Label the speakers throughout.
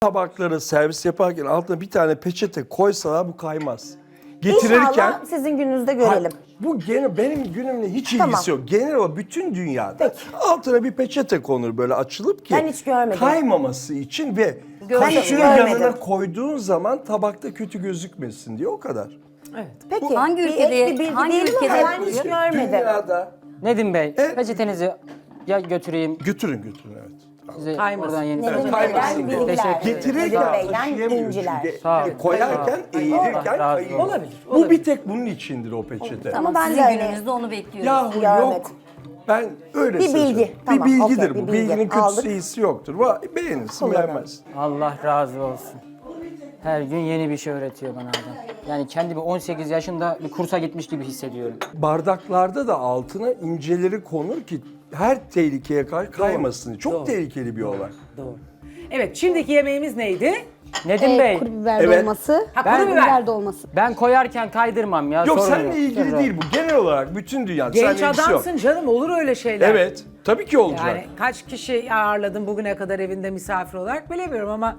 Speaker 1: Tabakları servis yaparken altına bir tane peçete koysalar bu kaymaz. Getirirken
Speaker 2: İnşallah sizin gününüzde görelim.
Speaker 1: bu gene benim günümle hiç
Speaker 2: Tamam.
Speaker 1: ilgisi yok. Genel olarak bütün dünyada altına bir peçete konur böyle açılıp ki
Speaker 2: Ben hiç görmedim.
Speaker 1: kaymaması için ve
Speaker 2: Ben hiç
Speaker 1: kaşığı
Speaker 2: görmedim.
Speaker 1: yanına koyduğun zaman tabakta kötü gözükmesin diye o kadar.
Speaker 2: Peki
Speaker 3: Hangi
Speaker 2: bir
Speaker 3: ülkede-
Speaker 2: ek bir bilgi
Speaker 3: hangi
Speaker 2: diyelim ama
Speaker 3: ülkede
Speaker 2: ben hiç
Speaker 3: yapılıyor?
Speaker 2: görmedim.
Speaker 1: Dünyada
Speaker 4: Nedim Bey,
Speaker 1: Evet.
Speaker 4: peçetenizi ya götüreyim.
Speaker 1: götürün evet.
Speaker 4: Size
Speaker 5: Kaymasın.
Speaker 4: oradan yeni
Speaker 2: Nedim
Speaker 1: Evet,
Speaker 2: Bey'den
Speaker 1: kaymasın diye.
Speaker 2: bilgiler.
Speaker 4: Teşekkür ederim.
Speaker 1: Getirirken
Speaker 2: Nedim Bey'den
Speaker 1: taşıyamıyor
Speaker 2: inciler.
Speaker 1: çünkü.
Speaker 4: Sağ ol.
Speaker 1: Koyarken, eğilirken
Speaker 4: Allah razı
Speaker 1: kayıyor.
Speaker 4: olsun.
Speaker 5: Olabilir,
Speaker 1: Bu
Speaker 5: olabilir.
Speaker 1: bir tek bunun içindir o peçete.
Speaker 2: Ama ben
Speaker 3: Sizin
Speaker 2: de öyle.
Speaker 3: gününüzde onu bekliyoruz.
Speaker 1: Yahu
Speaker 2: Görmedim.
Speaker 1: yok. Ben öyle
Speaker 2: Bir
Speaker 1: söylüyorum.
Speaker 2: bilgi. Tamam,
Speaker 1: bir bilgidir
Speaker 2: okey,
Speaker 1: bu.
Speaker 2: bir bilgi.
Speaker 1: Bilginin kötüsü
Speaker 2: Aldık.
Speaker 1: iyisi yoktur. Beğenirsin
Speaker 2: Kullanalım.
Speaker 1: beğenmezsin.
Speaker 4: Allah razı olsun. Her gün yeni bir şey öğretiyor bana adam. Yani kendimi 18 yaşında bir kursa gitmiş gibi hissediyorum.
Speaker 1: Bardaklarda da altına inceleri konur ki her tehlikeye karşı kaymasın. Çok
Speaker 5: Doğru.
Speaker 1: tehlikeli bir olay.
Speaker 5: Doğru. Evet, şimdiki yemeğimiz neydi?
Speaker 4: Nedim Bey,
Speaker 6: Kuru biber
Speaker 1: Evet.
Speaker 6: dolması.
Speaker 5: Ha,
Speaker 4: Ben-
Speaker 5: kuru biber.
Speaker 6: Biber dolması.
Speaker 4: ben koyarken kaydırmam ya.
Speaker 1: Yok
Speaker 4: sorun
Speaker 1: seninle ilgili
Speaker 4: Sorun
Speaker 1: değil bu. Genel olarak bütün dünya.
Speaker 5: Genç
Speaker 1: Seninle ilgisi yok.
Speaker 5: adamsın canım, olur öyle şeyler.
Speaker 1: Evet. Tabii ki olacak.
Speaker 5: Yani kaç kişi ağırladın bugüne kadar evinde misafir olarak bilemiyorum ama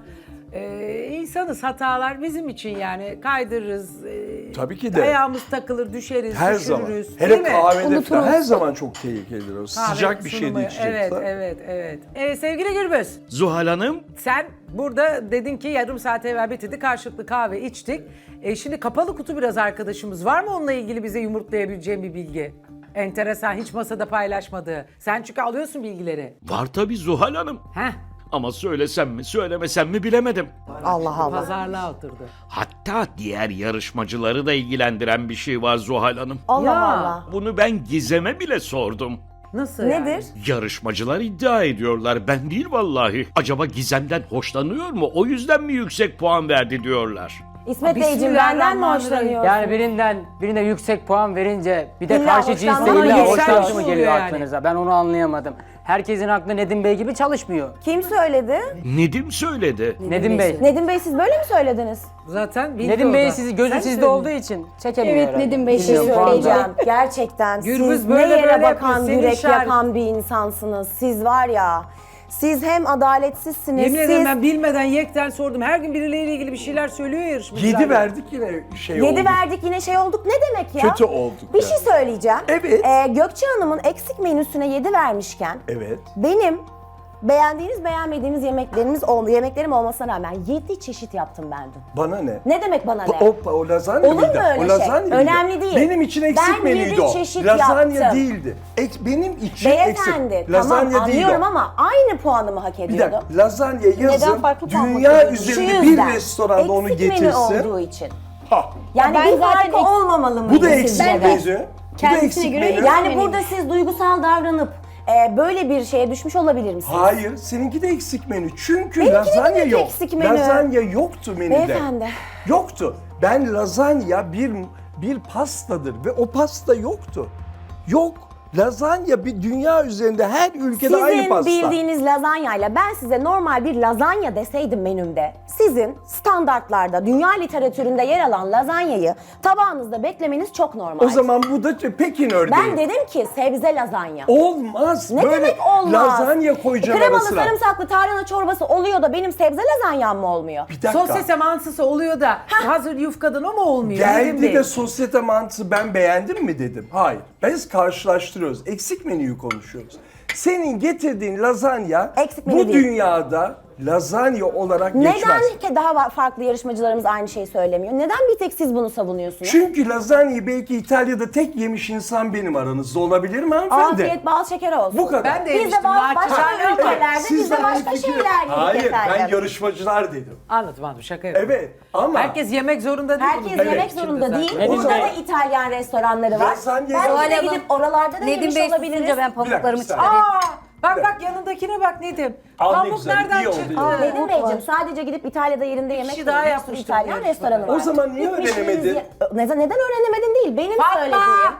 Speaker 5: insanız, hatalar bizim için yani kaydırırız.
Speaker 1: Tabii ki de.
Speaker 5: Ayağımız takılır, düşeriz,
Speaker 1: Her zaman.
Speaker 5: düşürürüz.
Speaker 1: Hele
Speaker 5: değil mi?
Speaker 1: kahvede
Speaker 6: Unuturuz.
Speaker 1: falan her zaman çok tehlikelidir o.
Speaker 5: Kahve
Speaker 1: Sıcak bir şey
Speaker 5: sunumu.
Speaker 1: de içeceksen.
Speaker 5: Evet. Sevgili Gürbüz,
Speaker 7: Zuhal Hanım,
Speaker 5: sen burada dedin ki yarım saat evvel bitirdi, karşılıklı kahve içtik. Şimdi kapalı kutu biraz arkadaşımız var mı onunla ilgili bize yumurtlayabileceğin bir bilgi? Enteresan, hiç masada paylaşmadığı. Sen çünkü alıyorsun bilgileri.
Speaker 7: var tabii Zuhal Hanım.
Speaker 5: Heh,
Speaker 7: Ama söylesem mi söylemesem mi bilemedim.
Speaker 2: Allah Allah.
Speaker 5: pazarlığa oturdu.
Speaker 7: Hatta diğer yarışmacıları da ilgilendiren bir şey var Zuhal Hanım.
Speaker 2: Allah
Speaker 5: Ya.
Speaker 2: Allah.
Speaker 7: Bunu ben Gizem'e bile sordum.
Speaker 5: Nasıl
Speaker 2: Nedir?
Speaker 5: yani?
Speaker 7: Yarışmacılar iddia ediyorlar, ben değil vallahi. Acaba Gizem'den hoşlanıyor mu? O yüzden mi yüksek puan verdi diyorlar.
Speaker 2: İsmet Beyciğim benden mi
Speaker 5: Bismillahirrahmanirrahim.
Speaker 2: hoşlanıyorsun?
Speaker 4: Yani birine yüksek puan verince bir de
Speaker 2: İlla
Speaker 4: karşı
Speaker 2: hoşlanma
Speaker 4: cinsle illa
Speaker 2: oluyor.
Speaker 4: hoşlanışı mı
Speaker 5: Oluyor
Speaker 4: geliyor
Speaker 5: yani.
Speaker 4: aklınıza? Ben onu anlayamadım. Herkesin aklı Nedim Bey gibi çalışmıyor.
Speaker 2: Kim söyledi?
Speaker 7: Nedim söyledi.
Speaker 4: Nedim Bey.
Speaker 2: Nedim Bey siz böyle mi söylediniz?
Speaker 5: Zaten bildi
Speaker 4: Nedim
Speaker 5: o
Speaker 4: Bey
Speaker 5: da.
Speaker 4: sizi gözü
Speaker 5: Sen
Speaker 4: sizde
Speaker 5: söyledin.
Speaker 4: olduğu için çekemiyor
Speaker 6: Evet,
Speaker 4: herhalde.
Speaker 6: Nedim Bey
Speaker 2: Bir şey
Speaker 4: Bilmiyorum, puan da.
Speaker 2: söyleyeceğim. Gerçekten
Speaker 5: Gürbüz
Speaker 2: siz
Speaker 5: böyle
Speaker 2: ne yere
Speaker 5: böyle
Speaker 2: bakan,
Speaker 5: yapıyor,
Speaker 2: yürek
Speaker 5: senin
Speaker 2: yakan bir insansınız. Siz var ya, siz hem adaletsizsiniz,
Speaker 5: Yemin ederim
Speaker 2: siz...
Speaker 5: ben bilmeden yekten sordum. Her gün birileriyle ilgili bir şeyler söylüyor yarışmacılar.
Speaker 1: 7 verdik yine şey oldu.
Speaker 2: 7 verdik yine şey olduk. Ne demek ya?
Speaker 1: Kötü olduk
Speaker 2: Bir
Speaker 1: yani.
Speaker 2: şey söyleyeceğim.
Speaker 1: Evet.
Speaker 2: Gökçe Hanım'ın eksik menüsüne 7 vermişken
Speaker 1: Evet.
Speaker 2: benim beğendiğiniz beğenmediğiniz yemeklerim olmasına rağmen 7 çeşit yaptım ben dün.
Speaker 1: Bana ne?
Speaker 2: Ne demek bana ne?
Speaker 1: O lazanya
Speaker 2: Olur
Speaker 1: mıydı?
Speaker 2: mu öyle
Speaker 1: O
Speaker 2: şey?
Speaker 1: lazanya mıydı?
Speaker 2: Önemli değil.
Speaker 1: Benim için eksik
Speaker 2: Ben
Speaker 1: menüydü
Speaker 2: 7
Speaker 1: o.
Speaker 2: çeşit
Speaker 1: Lazanya
Speaker 2: yaptım.
Speaker 1: değildi. Benim için
Speaker 2: Beyefendi
Speaker 1: eksik.
Speaker 2: tamam
Speaker 1: Lazanya değil
Speaker 2: anlıyorum
Speaker 1: o.
Speaker 2: ama aynı puanımı hak
Speaker 1: Bir
Speaker 2: ediyordu.
Speaker 1: dakika, lazanya yazın
Speaker 6: farklı puan
Speaker 1: dünya
Speaker 6: bakıyorsun?
Speaker 1: üzerinde
Speaker 2: Şu
Speaker 1: bir
Speaker 2: yüzden,
Speaker 1: restoranda onu
Speaker 2: eksik menü
Speaker 1: getirsin.
Speaker 2: olduğu için.
Speaker 1: Ha.
Speaker 2: Yani
Speaker 6: ben
Speaker 2: bir
Speaker 6: zaten
Speaker 2: farkı olmamalı mıydı
Speaker 1: Bu da eksik
Speaker 2: sizce de?
Speaker 1: menü. Bu da
Speaker 6: Kendisine
Speaker 1: eksik
Speaker 6: göre
Speaker 1: menü.
Speaker 6: eksik
Speaker 2: Yani
Speaker 6: menü.
Speaker 2: burada siz duygusal davranıp böyle bir şeye düşmüş olabilir misiniz?
Speaker 1: Hayır, seninki de eksik menü. Çünkü
Speaker 2: Benimki de
Speaker 1: lazanya
Speaker 2: bir
Speaker 1: yok.
Speaker 2: eksik menü.
Speaker 1: Lazanya yoktu menüde.
Speaker 2: Beyefendi.
Speaker 1: Yoktu. Ben lazanya bir pastadır ve o pasta yoktu. Yok. Lazanya bir dünya üzerinde her ülkede aynı
Speaker 2: Sizin
Speaker 1: pasta.
Speaker 2: bildiğiniz lazanyayla ben size normal bir lazanya deseydim menümde, sizin standartlarda, dünya literatüründe yer alan lazanyayı tabağınızda beklemeniz çok normal.
Speaker 1: O zaman bu da Pekin ördeği.
Speaker 2: ben dedim ki sebze lazanya.
Speaker 1: Olmaz.
Speaker 2: Ne
Speaker 1: Böyle
Speaker 2: demek olmaz?
Speaker 1: lazanya koyacaksın
Speaker 2: Kremalı
Speaker 1: arasına.
Speaker 2: sarımsaklı tarhana çorbası oluyor da benim sebze lazanyam mı olmuyor?
Speaker 1: Bir dakika.
Speaker 5: Sosyete mantısı oluyor da hazır yufkadan o mu olmuyor? Nedim
Speaker 1: Geldi
Speaker 5: Bey?
Speaker 1: de sosyete mantısı ben beğendim mi dedim. Hayır. Biz karşılaştırıyoruz. Eksik menüyü konuşuyoruz. Senin getirdiğin lazanya
Speaker 2: Eksik menü
Speaker 1: bu
Speaker 2: değil.
Speaker 1: dünyada lazanya olarak geçmez.
Speaker 2: Neden ki daha farklı yarışmacılarımız aynı şeyi söylemiyor? Neden bir tek siz bunu savunuyorsunuz?
Speaker 1: Çünkü lazanyayı belki İtalya'da tek yemiş insan benim aranızda olabilir mi hanımefendi?
Speaker 2: Afiyet bal şeker olsun.
Speaker 1: Bu kadar.
Speaker 5: Ben de
Speaker 2: Biz de
Speaker 5: yemiştim,
Speaker 2: başka
Speaker 5: lakin-
Speaker 2: ülkelerde
Speaker 1: Siz
Speaker 2: biz de
Speaker 1: de
Speaker 2: başka
Speaker 1: aynı fikir-
Speaker 2: şeyler yedik
Speaker 1: Hayır,
Speaker 2: efendim.
Speaker 1: ben yarışmacılar dedim.
Speaker 5: Anladım şaka yapıyorum.
Speaker 1: Evet ama
Speaker 5: Herkes yemek zorunda değil.
Speaker 2: Herkes
Speaker 5: bunun
Speaker 2: yemek
Speaker 5: içinde
Speaker 2: zorunda
Speaker 5: zaten.
Speaker 2: değil.
Speaker 4: Nedim
Speaker 2: Burada
Speaker 4: Bey.
Speaker 2: da İtalyan restoranları var.
Speaker 1: Lazanya
Speaker 2: Belki
Speaker 1: yok.
Speaker 2: de gidip oralarda da
Speaker 3: Nedim
Speaker 2: yemiş
Speaker 3: Bey
Speaker 2: olabiliriz.
Speaker 3: susunca ben pamuklarımı
Speaker 1: Bir dakika,
Speaker 3: çıkarayım.
Speaker 5: Bak yanındakine bak Nedim.
Speaker 1: Al ne
Speaker 5: Pamuk
Speaker 1: güzel,
Speaker 5: nereden
Speaker 1: iyi oldu,
Speaker 5: çıktı?
Speaker 1: iyi oldu.
Speaker 2: Nedim Beyciğim sadece gidip İtalya'da yerinde yemek
Speaker 5: kişi daha
Speaker 2: yemek
Speaker 5: yapmıştı
Speaker 2: İtalyan
Speaker 5: bu yarışmada.
Speaker 2: restoranı var.
Speaker 1: O zaman niye
Speaker 2: Gitmişsiniz
Speaker 1: öğrenemedin?
Speaker 2: Neden öğrenemedin değil. Benim söylediğim.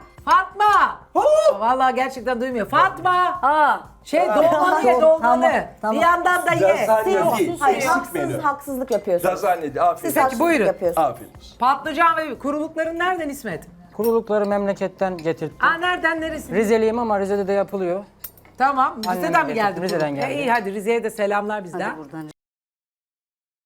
Speaker 5: Fatma! Vallahi gerçekten duymuyor. Fatma!
Speaker 3: Aa,
Speaker 5: Dolmanı ye dolmanı.
Speaker 3: Tamam.
Speaker 5: Bir yandan da ye.
Speaker 1: Lazanya değil.
Speaker 2: Hayır,
Speaker 1: Eksik menü.
Speaker 2: haksızlık yapıyorsunuz.
Speaker 1: Lazanya değil. Aferin.
Speaker 2: Siz haksızlık
Speaker 5: buyurun.
Speaker 2: yapıyorsunuz.
Speaker 1: Aferin.
Speaker 5: Patlıcan ve kurulukların nereden İsmet?
Speaker 4: Kurulukları memleketten getirttim.
Speaker 5: Nereden neresi?
Speaker 4: Rizeliyim ama Rize'de de yapılıyor.
Speaker 5: Tamam.
Speaker 4: Annem
Speaker 5: Rize'den mi
Speaker 4: getirdi,
Speaker 5: geldi?
Speaker 4: Rize'den
Speaker 5: kuruluk?
Speaker 4: geldi.
Speaker 5: İyi hadi Rize'ye de selamlar bizden.
Speaker 3: hadi buradan.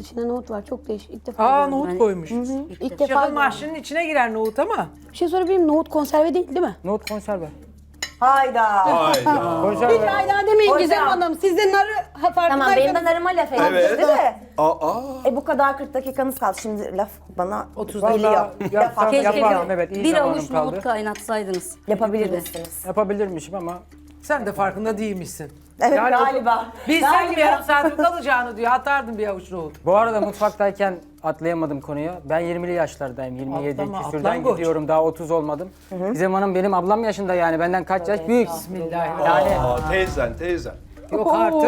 Speaker 3: içinde nohut var. Çok değişik. İlk defa
Speaker 5: Aa
Speaker 3: gördüm.
Speaker 5: nohut koymuş.
Speaker 3: İlk defa
Speaker 5: Şahın
Speaker 3: gördüm.
Speaker 5: mahşinin içine girer nohut ama.
Speaker 3: Bir şey sorabilir miyim? Nohut konserve değil mi?
Speaker 4: Nohut konserve.
Speaker 2: Hayda.
Speaker 1: Hayda.
Speaker 4: Konserve.
Speaker 3: Hiç hayda demeyin
Speaker 2: Hocam.
Speaker 3: Gizem Hanım. Siz de narı farkındaysanız.
Speaker 2: Tamam benim de narıma laf etmişti de.
Speaker 1: Aa.
Speaker 2: Bu kadar 40 dakikanız kaldı. Şimdi laf bana
Speaker 5: 30
Speaker 2: geliyor.
Speaker 5: dakika
Speaker 2: Laf hakkı
Speaker 4: Keşke
Speaker 2: geliyor.
Speaker 4: yapardım, evet, iyi
Speaker 6: bir
Speaker 4: zamanım
Speaker 6: avuç
Speaker 4: kaldı.
Speaker 6: nohut kaynatsaydınız.
Speaker 2: Yapabilir
Speaker 6: Gibi.
Speaker 2: misiniz?
Speaker 4: Yapabilirmişim ama
Speaker 5: Sen de farkında değilmişsin.
Speaker 2: Evet
Speaker 4: Yani
Speaker 2: galiba.
Speaker 5: Bilseydim yarım saatin kalacağını diyor. Atardım bir avuç nohut.
Speaker 4: bu arada mutfaktayken atlayamadım konuya. Ben 20'li yaşlardayım. 27
Speaker 5: Atlama,
Speaker 4: küsürden
Speaker 5: atlangoç.
Speaker 4: gidiyorum. Daha 30 olmadım. Gizem Hanım benim ablam yaşında yani. Benden kaç yaş büyük.
Speaker 5: Bismillahirrahmanirrahim.
Speaker 4: Yani
Speaker 1: Aa, teyzen.
Speaker 5: Yok artık.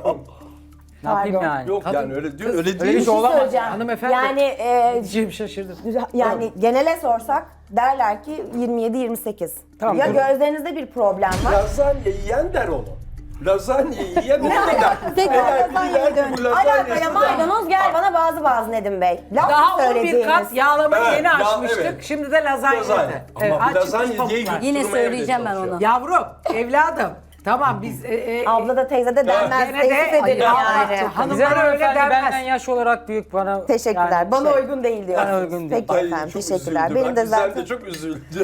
Speaker 4: ne yapayım yani?
Speaker 1: Yok yani öyle diyor. Öyle
Speaker 4: Öyle bir
Speaker 1: değil.
Speaker 4: şey
Speaker 2: Bir şey
Speaker 4: olamaz.
Speaker 2: söyleyeceğim.
Speaker 5: Hanımefendi.
Speaker 2: Yani
Speaker 5: Diyeceğim şaşırdım.
Speaker 2: genele sorsak derler ki 27-28.
Speaker 4: Tamam,
Speaker 2: Ya
Speaker 4: dur.
Speaker 2: gözlerinizde bir problem var.
Speaker 1: Lazanya yiyen der onu. Lazanya yiyen onu der.
Speaker 3: Tekrar
Speaker 1: Eğer
Speaker 3: lazanyaya
Speaker 1: biri der ki bu
Speaker 2: Alakaya
Speaker 1: lazanyası da-
Speaker 2: maydanoz gel bana bazı Nedim Bey. Laf
Speaker 5: Daha 11
Speaker 2: söylediğiniz.
Speaker 5: kat yağlamayı
Speaker 1: Evet,
Speaker 5: yeni
Speaker 1: ya,
Speaker 5: açmıştık.
Speaker 1: evet.
Speaker 5: Şimdi de lazanya.
Speaker 1: Lazanya. Ama bu
Speaker 5: aç çıkmış
Speaker 1: lazanya diye
Speaker 5: pamuklar.
Speaker 6: Yine
Speaker 1: Durmaya
Speaker 6: söyleyeceğim ben
Speaker 1: çalışıyor.
Speaker 6: onu.
Speaker 5: Yavrum, evladım. Tamam biz...
Speaker 2: Abla da teyze de denmez.
Speaker 5: Gene de-
Speaker 2: Teessüf ederim
Speaker 5: Ay,
Speaker 2: yani.
Speaker 5: hanımlara öyle
Speaker 4: Hanımefendi benden
Speaker 5: denmez.
Speaker 4: yaş olarak büyük bana.
Speaker 2: Teşekkürler.
Speaker 4: yani
Speaker 2: Bana
Speaker 4: şey-
Speaker 2: uygun değil diyorsunuz.
Speaker 4: Bana uygun değil.
Speaker 2: Peki
Speaker 1: Ay,
Speaker 2: efendim
Speaker 1: çok
Speaker 2: teşekkürler.
Speaker 1: üzüldü.
Speaker 2: Benim
Speaker 1: Bak,
Speaker 2: de
Speaker 1: Gizem
Speaker 2: zaten...
Speaker 1: de çok üzüldü.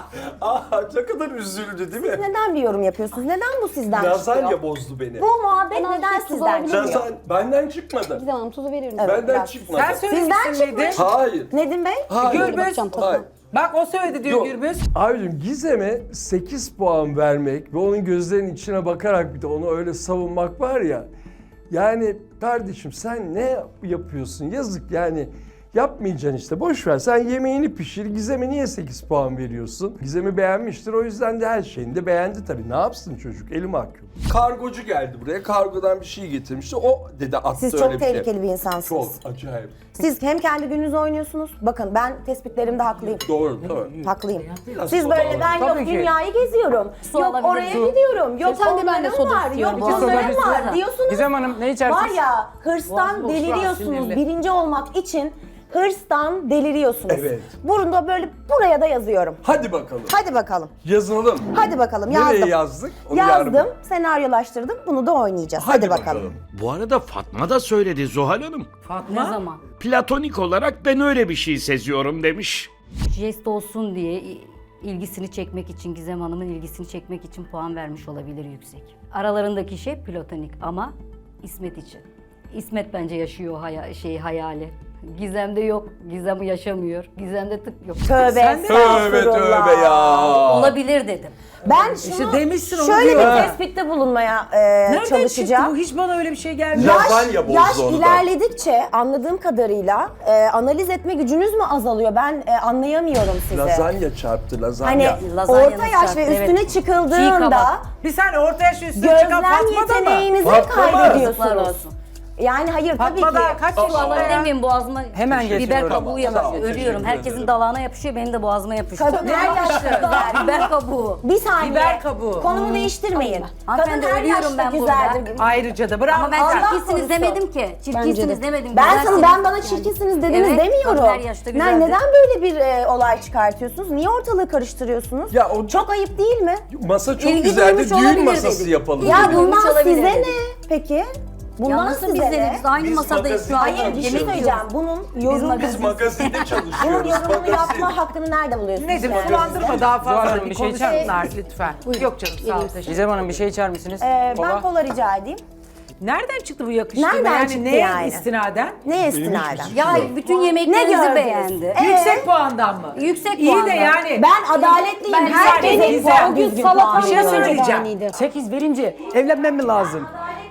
Speaker 1: Aa, ne kadar üzüldü değil mi?
Speaker 2: Neden bir yorum yapıyorsunuz? Neden bu sizden
Speaker 1: Lazanya
Speaker 2: çıkıyor?
Speaker 1: bozdu beni.
Speaker 2: Bu muhabbet
Speaker 3: Ben
Speaker 2: neden
Speaker 3: azıcık
Speaker 2: sizden
Speaker 3: tuz
Speaker 2: çıkıyor?
Speaker 1: Lazanya benden çıkmadı.
Speaker 3: Gizem Hanım tuzu verir misiniz?
Speaker 1: Benden
Speaker 2: biraz.
Speaker 1: çıkmadı.
Speaker 5: Sen söylemişsin
Speaker 2: Sizden
Speaker 5: Nedim.
Speaker 2: çıkmış.
Speaker 1: Hayır.
Speaker 2: Nedim Bey?
Speaker 1: Hayır.
Speaker 5: Gürbüz.
Speaker 3: Bakacağım tadına.
Speaker 1: Hayır.
Speaker 5: Bak o söyledi diyor
Speaker 1: Yok.
Speaker 5: Gürbüz.
Speaker 8: Abicim Gizem'e 8 puan vermek ve onun gözlerinin içine bakarak bir de onu öyle savunmak var ya. Yani kardeşim sen ne yapıyorsun? Yazık yani. Yapmayacaksın işte. Boş ver. Sen yemeğini pişir. Gizem'e niye 8 puan veriyorsun? Gizem'i beğenmiştir. O yüzden de her şeyini de beğendi tabii. Ne yapsın çocuk? Eli mahkum.
Speaker 1: Kargocu geldi buraya. Kargodan bir şey getirmişti. O dedi attı
Speaker 2: Siz
Speaker 1: öyle
Speaker 2: çok
Speaker 1: bir şey.
Speaker 2: tehlikeli bir insansınız.
Speaker 1: Çok acayip.
Speaker 2: Siz hem kendi gününüzü oynuyorsunuz. Bakın ben tespitlerimde haklıyım.
Speaker 1: Doğru.
Speaker 2: Haklıyım.
Speaker 1: Biraz
Speaker 2: Siz
Speaker 1: soda
Speaker 2: böyle
Speaker 1: alalım.
Speaker 2: ben yok
Speaker 4: Tabii ki.
Speaker 2: dünyayı geziyorum.
Speaker 6: Su
Speaker 2: Yok
Speaker 6: alabilir
Speaker 2: oraya
Speaker 6: miyim?
Speaker 2: gidiyorum. Yok
Speaker 3: Sen de ben de
Speaker 2: onların
Speaker 3: soda
Speaker 2: var. Yok
Speaker 3: istiyorum.
Speaker 4: İki soda,
Speaker 2: onların
Speaker 4: bir
Speaker 2: var
Speaker 4: soda.
Speaker 2: diyorsunuz.
Speaker 4: Gizem Hanım ne içersiniz?
Speaker 2: Var ya hırstan
Speaker 5: Boş, boş,
Speaker 2: deliriyorsunuz.
Speaker 5: sinirli.
Speaker 2: Birinci olmak için hırstan deliriyorsunuz.
Speaker 1: Evet.
Speaker 2: Burada böyle buraya da yazıyorum.
Speaker 1: Hadi bakalım.
Speaker 2: Hadi bakalım.
Speaker 1: Yazalım.
Speaker 2: Hadi bakalım yazdım.
Speaker 1: Nereye yazdık? Onu yarın-
Speaker 2: Yazdım, senaryolaştırdım. Bunu da oynayacağız. Hadi, bakalım.
Speaker 7: Bu arada Fatma da söyledi Zuhal Hanım.
Speaker 6: Ne
Speaker 5: Fatma.
Speaker 6: zaman?
Speaker 7: Platonik olarak ben öyle bir şey seziyorum demiş.
Speaker 6: Jest olsun diye ilgisini çekmek için, Gizem Hanım'ın ilgisini çekmek için puan vermiş olabilir yüksek. Aralarındaki şey platonik ama İsmet için. İsmet bence yaşıyor o hayali. Gizem'de yok, Gizem yaşamıyor. Gizem'de tık yok.
Speaker 2: Tövbe,
Speaker 1: Tövbe tövbe ya.
Speaker 6: Olabilir dedim.
Speaker 2: Ben şunu
Speaker 5: İşte demişsin onu
Speaker 2: şöyle
Speaker 5: diyor.
Speaker 2: bir tespitte bulunmaya
Speaker 5: Nereden
Speaker 2: çalışacağım.
Speaker 5: çıktı bu? Hiç bana öyle bir şey gelmedi.
Speaker 1: Lazanya bozdu
Speaker 2: Yaş
Speaker 1: onu da.
Speaker 2: ilerledikçe anladığım kadarıyla analiz etme gücünüz mü azalıyor? Ben anlayamıyorum sizi.
Speaker 1: Lazanya çarptı lazanya.
Speaker 2: Hani
Speaker 6: Lazanyanın
Speaker 2: orta yaş
Speaker 6: çarptı,
Speaker 2: ve
Speaker 6: evet.
Speaker 2: üstüne
Speaker 6: Çiğ
Speaker 2: çıkıldığında
Speaker 6: kabak.
Speaker 5: Bir saniye ortaya şu üstüne çıkan
Speaker 2: gözlem
Speaker 5: Fatma da mı?
Speaker 2: yeteneğinizi
Speaker 1: Fatma mı?
Speaker 6: Yazıklar
Speaker 2: kaybediyorsunuz.
Speaker 6: olsun.
Speaker 2: Yani hayır tabii
Speaker 5: Fatma
Speaker 2: ki.
Speaker 5: da kaç
Speaker 6: Su
Speaker 5: yaşında
Speaker 6: alabilir
Speaker 5: ya?
Speaker 6: miyim boğazıma?
Speaker 4: Hemen
Speaker 6: Biber
Speaker 4: getiriyorum.
Speaker 6: kabuğu
Speaker 1: Tamam,
Speaker 6: yapışıyor.
Speaker 1: teşekkür
Speaker 6: Ölüyorum.
Speaker 1: ederim.
Speaker 6: Herkesin dalağına yapışıyor, benim de boğazıma yapışıyor.
Speaker 2: Kadın her yaşta güzel.
Speaker 6: Biber kabuğu.
Speaker 2: Bir saniye.
Speaker 5: Biber kabuğu.
Speaker 2: Konumu değiştirmeyin.
Speaker 6: Hanımefendi,
Speaker 2: Kadın her
Speaker 6: ölüyorum
Speaker 2: yaşta
Speaker 6: ben
Speaker 2: güzeldir.
Speaker 5: Ayrıca da bravo.
Speaker 6: Ama ben
Speaker 2: Allah
Speaker 6: çirkinsiniz
Speaker 2: korusun.
Speaker 6: demedim ki. Çirkinsiniz demedim.
Speaker 2: Ben
Speaker 6: Güzelsiniz.
Speaker 2: sana bana çirkinsiniz dediniz
Speaker 6: Evet,
Speaker 2: demiyorum.
Speaker 6: kadın her yaşta güzeldir.
Speaker 2: Neden böyle bir olay çıkartıyorsunuz? Niye ortalığı karıştırıyorsunuz?
Speaker 1: Ya o-
Speaker 2: Çok ayıp değil mi?
Speaker 1: Masa çok
Speaker 6: İlgi
Speaker 1: güzeldi.
Speaker 6: duymuş
Speaker 1: Düğün
Speaker 6: olabilir
Speaker 1: masası
Speaker 6: dedik.
Speaker 1: yapalım.
Speaker 2: Ya
Speaker 6: İlgi duymuş
Speaker 2: bundan
Speaker 6: olabilir
Speaker 2: size
Speaker 6: dedim.
Speaker 2: ne peki?
Speaker 6: Ya
Speaker 2: Bundan
Speaker 6: nasıl
Speaker 2: size
Speaker 6: biz de
Speaker 2: ne?
Speaker 6: biz aynı
Speaker 1: Biz
Speaker 6: masadayız şu an.
Speaker 2: Hayır bir şey
Speaker 6: Yemek
Speaker 2: söyleyeceğim.
Speaker 6: yiyoruz.
Speaker 2: Bunun
Speaker 6: Biz
Speaker 2: yorum,
Speaker 1: Biz magazinde
Speaker 2: bunun
Speaker 1: çalışıyoruz.
Speaker 2: yorumunu
Speaker 1: Magazin.
Speaker 2: yapma hakkını nerede buluyorsunuz?
Speaker 5: Nedim
Speaker 2: yani?
Speaker 5: sulandırma daha
Speaker 4: Zuhal
Speaker 5: fazla.
Speaker 4: Hanım,
Speaker 5: Bir
Speaker 4: bir şey içer
Speaker 5: konuşsunlar lütfen. Yok canım sağ ol teşekkür.
Speaker 4: Gizem Hanım bir şey içer misiniz?
Speaker 2: Ben
Speaker 4: Kola.
Speaker 2: kola rica edeyim.
Speaker 5: Nereden çıktı bu yakıştırma?
Speaker 2: Nereden
Speaker 5: yani
Speaker 2: çıktı
Speaker 5: neye
Speaker 2: yani?
Speaker 5: istinaden?
Speaker 2: Neye istinaden?
Speaker 6: Ya bütün
Speaker 2: Ne
Speaker 6: yemeklerinizi
Speaker 2: gördünüz?
Speaker 6: beğendi.
Speaker 5: Yüksek puandan mı?
Speaker 6: Yüksek
Speaker 5: İyi de
Speaker 6: puandan.
Speaker 5: yani.
Speaker 2: Ben adaletliyim.
Speaker 6: Ben
Speaker 2: Herkesin
Speaker 5: Gizem,
Speaker 2: puan düzgün puan
Speaker 5: bir şey
Speaker 2: veriyorum.
Speaker 5: söyleyeceğim.
Speaker 4: 8 verince evlenmem mi lazım?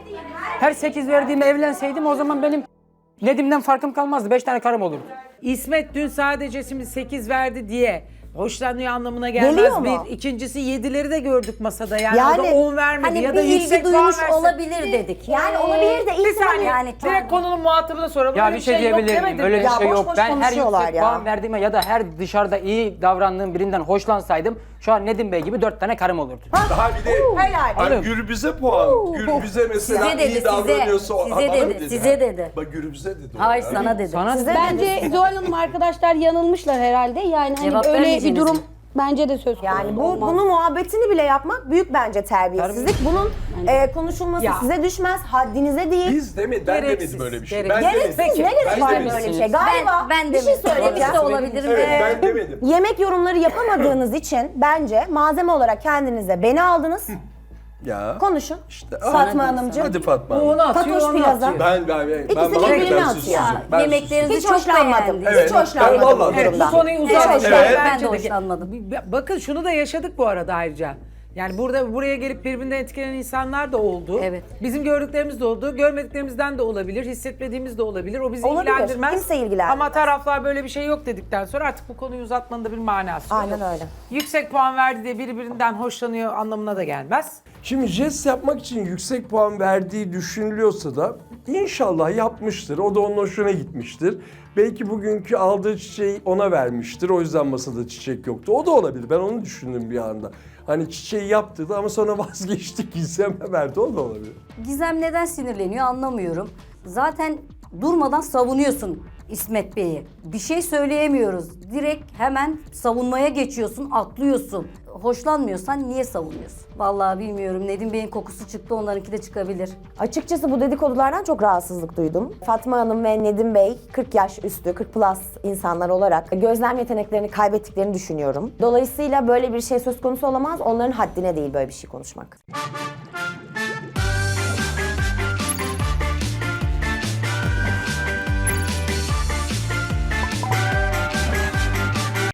Speaker 4: Her 8 verdiğime evlenseydim o zaman benim Nedim'den farkım kalmazdı. 5 tane karım olurdu.
Speaker 5: İsmet dün sadece şimdi 8 verdi diye hoşlanıyor anlamına gelmez.
Speaker 2: Geliyor mu?
Speaker 5: Bir. İkincisi 7'leri de gördük masada. Yani,
Speaker 2: Yani,
Speaker 5: o da 10 vermedi
Speaker 6: Hani
Speaker 5: ya
Speaker 6: bir
Speaker 5: da
Speaker 6: ilgi
Speaker 5: yüksek puan
Speaker 6: duymuş
Speaker 5: versin.
Speaker 6: olabilir dedik.
Speaker 2: Yani olabilir de
Speaker 5: Bir
Speaker 2: ilk
Speaker 5: saniye.
Speaker 6: Yani
Speaker 5: Direkt konunun muhatabına soralım.
Speaker 4: Ya
Speaker 5: Öyle
Speaker 4: bir şey diyebilir
Speaker 5: yok
Speaker 4: miyim?
Speaker 5: demedim
Speaker 4: Öyle
Speaker 5: mi?
Speaker 4: bir
Speaker 2: Ya
Speaker 4: şey
Speaker 2: boş
Speaker 4: yok.
Speaker 2: boş
Speaker 4: Ben her
Speaker 2: konuşuyorlar
Speaker 4: yüksek
Speaker 2: ya.
Speaker 4: puan verdiğime ya da her dışarıda iyi davrandığım birinden hoşlansaydım şu an Nedim Bey gibi 4 tane karım olurdu.
Speaker 1: Daha bir de
Speaker 2: Helal.
Speaker 1: Bak Gürbüz'e puan. Gürbüz'e mesela
Speaker 6: Size dedi,
Speaker 1: iyi davranıyorsa o-
Speaker 6: size
Speaker 1: Bana mı
Speaker 6: dedi, size dedi.
Speaker 1: Bak Gürbüz'e dedi. o
Speaker 6: Hayır
Speaker 1: ya.
Speaker 6: sana dedi.
Speaker 4: Sana
Speaker 3: Bence Zuhal Hanım arkadaşlar yanılmışlar herhalde. Yani hani
Speaker 6: Cevap
Speaker 3: öyle bir
Speaker 6: vermeyeceğiniz
Speaker 3: durum
Speaker 6: mi?
Speaker 3: Bence de söz konusu
Speaker 2: Yani
Speaker 3: olmaz.
Speaker 2: bunun muhabbetini bile yapmak büyük bence terbiyesizlik. Bunun konuşulması
Speaker 5: Ya.
Speaker 2: size düşmez, haddinize değil.
Speaker 1: Biz demedik, ben
Speaker 5: Gereksiz,
Speaker 1: demedim öyle bir şey.
Speaker 5: gereksiz.
Speaker 1: Ben
Speaker 2: Gereksiz,
Speaker 1: demedim.
Speaker 2: ne gerek
Speaker 5: Ben
Speaker 2: var
Speaker 5: demedim.
Speaker 2: böyle bir şey? Galiba
Speaker 6: ben
Speaker 2: bir şey söyleyeceğim.
Speaker 6: Demiş de olabilirim.
Speaker 1: Evet, ben demedim.
Speaker 2: Yemek yorumları yapamadığınız için bence malzeme olarak kendinize beni aldınız.
Speaker 1: Ya.
Speaker 2: Konuşun.
Speaker 1: İşte,
Speaker 2: Fatma Hanımcığım.
Speaker 1: Hadi Fatma
Speaker 5: Bu
Speaker 1: Hanım.
Speaker 5: onu atıyor,
Speaker 2: Fatoş
Speaker 5: onu
Speaker 2: Plaza.
Speaker 5: atıyor.
Speaker 1: Ben
Speaker 2: İkisi
Speaker 1: bana
Speaker 2: birbirini
Speaker 1: ben
Speaker 2: atıyor.
Speaker 1: sustum.
Speaker 6: Ya,
Speaker 1: Ben
Speaker 6: yemeklerinizi
Speaker 2: Hiç
Speaker 6: çok
Speaker 2: hoşlanmadım.
Speaker 6: beğendim.
Speaker 1: Evet,
Speaker 2: Hiç
Speaker 1: ben
Speaker 2: hoşlanmadım
Speaker 1: vallahi-
Speaker 2: bu
Speaker 5: Evet, bu
Speaker 2: durumdan.
Speaker 5: konuyu
Speaker 6: Evet,
Speaker 5: uzatmayalım.
Speaker 1: evet.
Speaker 6: Ben
Speaker 5: Bence
Speaker 6: de
Speaker 5: de.
Speaker 6: hoşlanmadım.
Speaker 5: Bakın şunu da yaşadık bu arada ayrıca. Yani buraya gelip birbirinden etkilenen insanlar da oldu.
Speaker 6: Evet.
Speaker 5: Bizim gördüklerimiz de oldu. Görmediklerimizden de olabilir. Hissetmediğimiz de olabilir. O bizi
Speaker 2: Olabilir.
Speaker 5: ilgilendirmez.
Speaker 2: Kimse ilgilendirmez.
Speaker 5: Ama taraflar böyle bir şey yok dedikten sonra artık bu konuyu uzatmanın da bir manası yok.
Speaker 2: Aynen öyle.
Speaker 5: Yüksek puan verdi diye birbirinden hoşlanıyor anlamına da gelmez.
Speaker 8: Şimdi jest yapmak için yüksek puan verdiği düşünülüyorsa da inşallah yapmıştır. O da onun hoşuna gitmiştir. Belki bugünkü aldığı çiçeği ona vermiştir. O yüzden masada çiçek yoktu. O da olabilir. Ben onu düşündüm bir anda. Hani çiçeği yaptı ama sonra vazgeçti, Gizem'e verdi. O da olabilir.
Speaker 6: Gizem neden sinirleniyor anlamıyorum. Zaten durmadan savunuyorsun İsmet Bey'i. Bir şey söyleyemiyoruz. Direkt hemen savunmaya geçiyorsun, atlıyorsun. Hoşlanmıyorsan niye savunuyorsun? Vallahi bilmiyorum. Nedim Bey'in kokusu çıktı, onlarınki de çıkabilir.
Speaker 2: Açıkçası bu dedikodulardan çok rahatsızlık duydum. Fatma Hanım ve Nedim Bey 40 yaş üstü, 40 plus insanlar olarak gözlem yeteneklerini kaybettiklerini düşünüyorum. Dolayısıyla böyle bir şey söz konusu olamaz. Onların haddine değil böyle bir şey konuşmak.